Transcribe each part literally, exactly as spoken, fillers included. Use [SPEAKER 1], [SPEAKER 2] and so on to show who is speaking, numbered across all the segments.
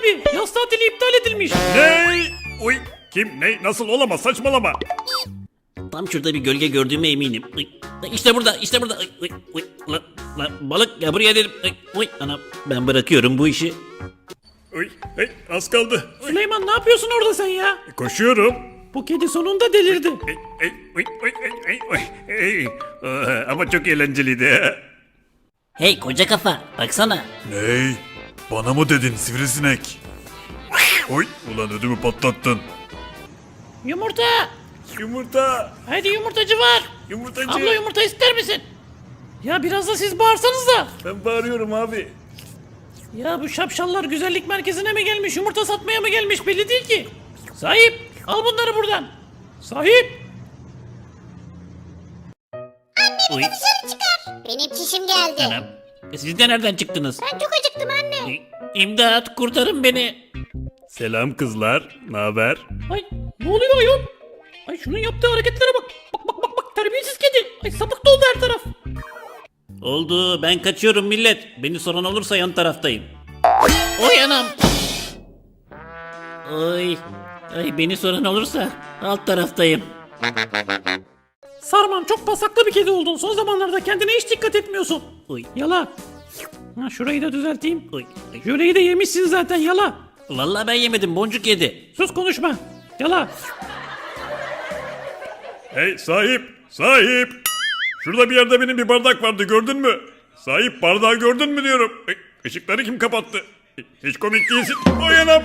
[SPEAKER 1] abi. Yaz tatili iptal edilmiş.
[SPEAKER 2] Ne? Uy, kim? Ne? Nasıl olamaz? Saçmalama.
[SPEAKER 3] Tam şurada bir gölge gördüğüme eminim. Uy, İşte burada, işte burada. Uy, uy, uy. Lan, lan, balık ya buraya dedim. Uy, uy. Ana, ben bırakıyorum bu işi.
[SPEAKER 2] Uy, hey, az kaldı. Uy,
[SPEAKER 1] Süleyman ne yapıyorsun orada sen ya?
[SPEAKER 2] koşuyorum.
[SPEAKER 1] Bu kedi sonunda delirdi.
[SPEAKER 2] Ey, ey, uy, uy, ey, ey, uy, ey. Aa, ama çok eğlenceliydi.
[SPEAKER 3] Hey koca kafa, baksana.
[SPEAKER 2] Ney? Bana mı dedin sivrisinek? Oy, ulan ödümü patlattın.
[SPEAKER 1] Yumurta.
[SPEAKER 2] Yumurta,
[SPEAKER 1] Hadi yumurtacı var.
[SPEAKER 2] yumurtacı.
[SPEAKER 1] Abla yumurta ister misin? Ya biraz da siz bağırsanız da.
[SPEAKER 2] Ben bağırıyorum abi.
[SPEAKER 1] Ya bu şapşallar güzellik merkezine mi gelmiş, yumurta satmaya mı gelmiş belli değil ki. Sahip, al bunları buradan. Sahip.
[SPEAKER 3] Uy,
[SPEAKER 4] Benim çişim geldi.
[SPEAKER 3] anam. E, Siz de nereden çıktınız?
[SPEAKER 4] Ben çok acıktım anne.
[SPEAKER 3] Uy, İmdat, kurtarın beni.
[SPEAKER 2] Selam kızlar, ne haber?
[SPEAKER 1] Ay ne oluyor ayol? Ay şunun yaptığı hareketlere bak. Bak bak bak bak terbiyesiz kedi. Ay sapık doldu her taraf.
[SPEAKER 3] Oldu, ben kaçıyorum millet. Beni soran olursa yan taraftayım. Oy anam. Oy. Ay beni soran olursa alt taraftayım.
[SPEAKER 1] Sarman çok pasaklı bir kedi oldun. Son zamanlarda kendine hiç dikkat etmiyorsun.
[SPEAKER 3] Uy.
[SPEAKER 1] Yala. Ha, şurayı da düzelteyim.
[SPEAKER 3] Uy. Ay.
[SPEAKER 1] Jöleyi de yemişsin zaten yala.
[SPEAKER 3] Vallahi ben yemedim, boncuk yedi.
[SPEAKER 1] Sus konuşma. Yala.
[SPEAKER 2] Hey sahip, sahip. Şurada bir yerde benim bir bardak vardı, gördün mü? Sahip, bardağı gördün mü diyorum. Ey, ışıkları kim kapattı? Hiç komik değilsin. Oy anam.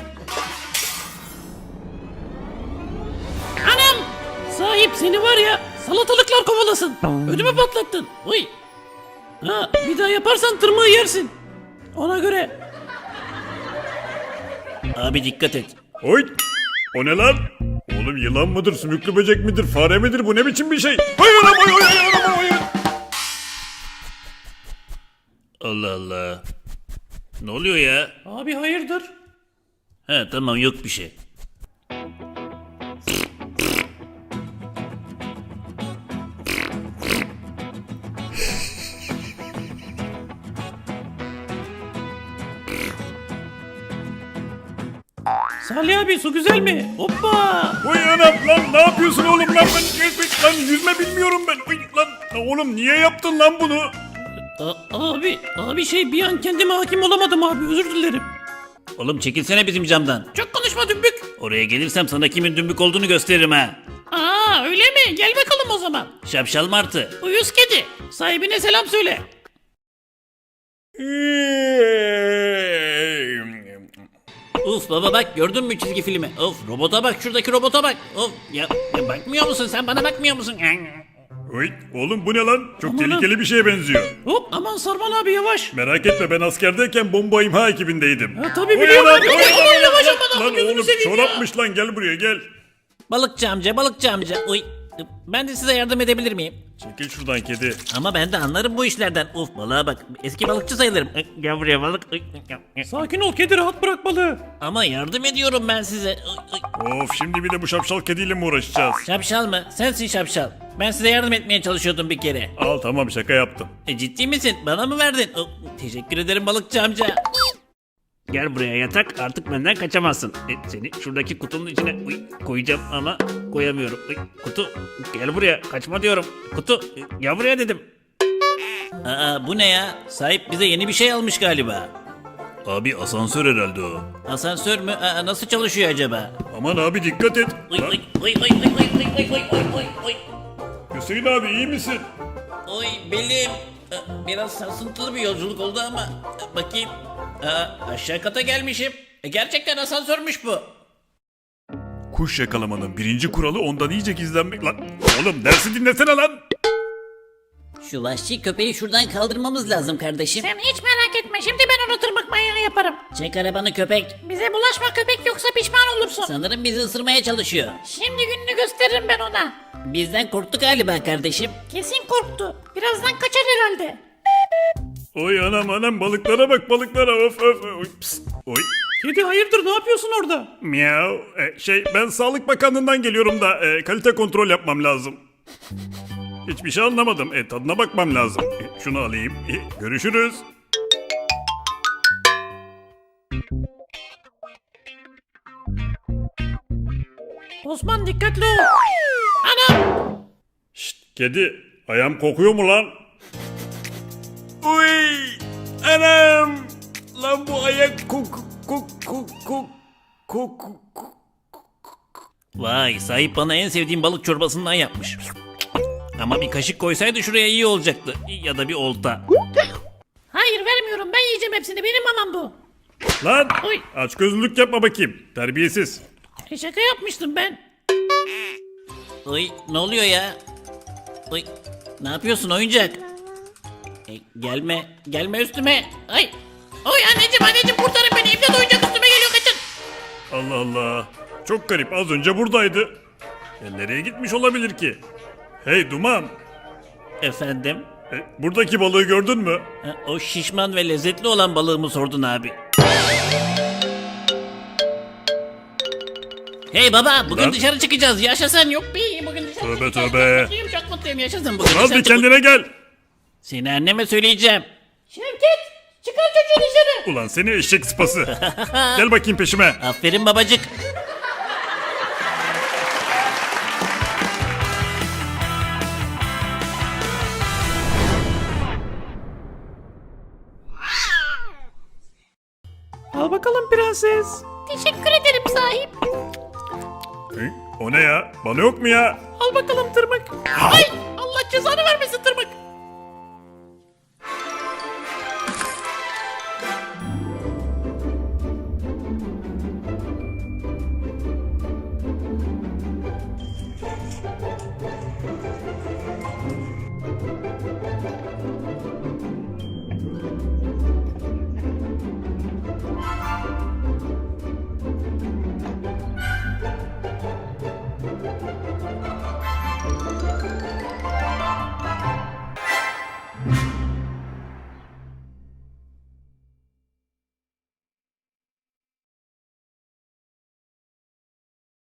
[SPEAKER 1] Anam. Sahip seni var ya salatalıklar kovalasın. Ödümü patlattın. Uy. Ha, bir daha yaparsan tırmığı yersin. Ona göre.
[SPEAKER 3] Abi dikkat et.
[SPEAKER 2] Oy. O ne lan? Oğlum yılan mıdır, sümüklü böcek midir, fare midir? Bu ne biçim bir şey? Oy anam, oy oy oy anam, oy.
[SPEAKER 3] Allah Allah. Ne oluyor ya?
[SPEAKER 1] Abi hayırdır?
[SPEAKER 3] He tamam, yok bir şey.
[SPEAKER 1] Salih abi su güzel mi? Hoppa.
[SPEAKER 2] Oy anam lan, ne yapıyorsun oğlum lan? Ben lan yüzme bilmiyorum ben. Oy lan, oğlum niye yaptın lan bunu?
[SPEAKER 1] A- abi, abi şey bir an kendime hakim olamadım abi özür dilerim.
[SPEAKER 3] Oğlum çekilsene bizim camdan.
[SPEAKER 1] Çok konuşma dümbük.
[SPEAKER 3] Oraya gelirsem sana kimin dümbük olduğunu gösteririm ha.
[SPEAKER 1] Aa öyle mi? Gel bakalım o zaman.
[SPEAKER 3] Şapşal martı.
[SPEAKER 1] Uyuz kedi. Sahibine selam söyle.
[SPEAKER 3] Uf baba bak, gördün mü çizgi filmi? Of robota bak, şuradaki robota bak. Of ya, ya bakmıyor musun sen, bana bakmıyor musun?
[SPEAKER 2] Oy oğlum, bu ne lan? Çok
[SPEAKER 1] Aman
[SPEAKER 2] tehlikeli bir şeye benziyor.
[SPEAKER 1] Hop aman Sarman abi yavaş.
[SPEAKER 2] Merak etme, ben askerdeyken bomba imha ekibindeydim.
[SPEAKER 1] Ha, tabii
[SPEAKER 2] Oy
[SPEAKER 1] biliyorum
[SPEAKER 2] anam,
[SPEAKER 1] abi.
[SPEAKER 2] oy
[SPEAKER 1] Aman
[SPEAKER 2] anam,
[SPEAKER 1] yavaş
[SPEAKER 2] lan,
[SPEAKER 1] aman
[SPEAKER 2] lan
[SPEAKER 1] abi gözünü
[SPEAKER 2] oğlum
[SPEAKER 1] seveyim ya.
[SPEAKER 2] çorapmış lan, gel buraya gel.
[SPEAKER 3] Balıkçı amca, balıkçı amca. Uy. Ben de size yardım edebilir miyim?
[SPEAKER 2] Çekil şuradan kedi.
[SPEAKER 3] Ama ben de anlarım bu işlerden. Uf balığa bak. Eski balıkçı sayılırım. Ay, gel buraya balık. Ay, ay.
[SPEAKER 1] Sakin ol kedi rahat bırak balığı.
[SPEAKER 3] Ama yardım ediyorum ben size. Ay, ay.
[SPEAKER 2] Of, şimdi bir de bu şapşal kediyle mi uğraşacağız?
[SPEAKER 3] Şapşal mı? Sensin şapşal. Ben size yardım etmeye çalışıyordum bir kere.
[SPEAKER 2] Al tamam, şaka yaptım.
[SPEAKER 3] E, ciddi misin? Bana mı verdin? Oh, teşekkür ederim balıkçı amca. Gel buraya yatak, artık benden kaçamazsın. E, seni şuradaki kutunun içine uy, koyacağım ama koyamıyorum. Uy, kutu gel buraya, kaçma diyorum. Kutu e, gel buraya dedim. Aa bu ne ya? Sahip bize yeni bir şey almış galiba.
[SPEAKER 2] Abi asansör herhalde o.
[SPEAKER 3] Asansör mü? Aa, nasıl çalışıyor acaba?
[SPEAKER 2] Aman abi dikkat et.
[SPEAKER 3] Uy,
[SPEAKER 2] Lan,
[SPEAKER 3] uy, uy, uy, uy, uy, uy, uy, uy, uy, uy, uy.
[SPEAKER 2] Hüseyin abi iyi misin?
[SPEAKER 3] Oy belim. Aa, Biraz sarsıntılı bir yolculuk oldu ama aa, bakayım. Aa, aşağı kata gelmişim. E, gerçekten asansörmüş bu.
[SPEAKER 2] Kuş yakalamanın birinci kuralı ondan iyice gizlenmek lan. Oğlum dersi dinlesene lan.
[SPEAKER 3] Şu vahşi köpeği şuradan kaldırmamız lazım kardeşim.
[SPEAKER 4] Sen hiç merak etme, şimdi ben onu tırmık manyağı yaparım.
[SPEAKER 3] Çek arabanı köpek.
[SPEAKER 4] Bize bulaşma köpek, yoksa pişman olursun.
[SPEAKER 3] Sanırım bizi ısırmaya çalışıyor.
[SPEAKER 4] Şimdi gününü gösteririm ben ona.
[SPEAKER 3] Bizden korktu galiba kardeşim.
[SPEAKER 4] Kesin korktu. Birazdan kaçar herhalde.
[SPEAKER 2] Oy anam anam, balıklara bak balıklara, of of. Oy, pst, oy.
[SPEAKER 1] Kedi hayırdır ne yapıyorsun orada?
[SPEAKER 2] Miau. E, şey, ben Sağlık Bakanlığı'ndan geliyorum da e, kalite kontrol yapmam lazım. Hiçbir şey anlamadım. E, tadına bakmam lazım. E, şunu alayım. E, görüşürüz.
[SPEAKER 1] Osman dikkatli ol. Anam.
[SPEAKER 2] Şşt kedi ayağım kokuyor mu lan? Uy anam. Lan bu ayak kok kok kok kok kok kok.
[SPEAKER 3] Vay, sahip bana en sevdiğim balık çorbasından yapmış. Ama bir kaşık koysaydı şuraya iyi olacaktı. Ya da bir olta.
[SPEAKER 4] Hayır vermiyorum, ben yiyeceğim hepsini, benim mamam bu.
[SPEAKER 2] Lan
[SPEAKER 1] Oy.
[SPEAKER 2] aç gözlülük yapma bakayım. Terbiyesiz.
[SPEAKER 1] E, şaka yapmıştım ben.
[SPEAKER 3] Oy, ne oluyor ya? Oy, ne yapıyorsun oyuncak? E, gelme, gelme üstüme.
[SPEAKER 1] Ay. Oy anneciğim anneciğim kurtarın beni. İmdat oyuncak üstüme geliyor, kaçın.
[SPEAKER 2] Allah Allah. Çok garip az önce buradaydı. Ya nereye gitmiş olabilir ki? Hey Duman.
[SPEAKER 3] Efendim?
[SPEAKER 2] e, buradaki balığı gördün mü?
[SPEAKER 3] Ha, o şişman ve lezzetli olan balığımı sordun abi. Hey baba, bugün
[SPEAKER 2] Lan.
[SPEAKER 3] dışarı çıkacağız. Yaşasın. Yok
[SPEAKER 1] Bir bugün dışarı
[SPEAKER 2] Tövbe
[SPEAKER 1] çıkacağız.
[SPEAKER 2] tövbe.
[SPEAKER 1] Çok mutluyum, çok mutluyum. Yaşasın bugün.
[SPEAKER 2] Az
[SPEAKER 1] dışarı
[SPEAKER 2] bir
[SPEAKER 1] çıkacağız.
[SPEAKER 2] kendine gel.
[SPEAKER 3] Seni anneme söyleyeceğim.
[SPEAKER 1] Şevket çıkar çocuğu dışarı.
[SPEAKER 2] Ulan seni eşek sıpası. Gel bakayım peşime.
[SPEAKER 3] Aferin babacık.
[SPEAKER 1] Al bakalım prenses.
[SPEAKER 4] Teşekkür ederim sahip.
[SPEAKER 2] Hı? O ne ya? Bana yok mu ya?
[SPEAKER 1] Al bakalım tırmık. Ay Allah cezanı vermesin tırmık.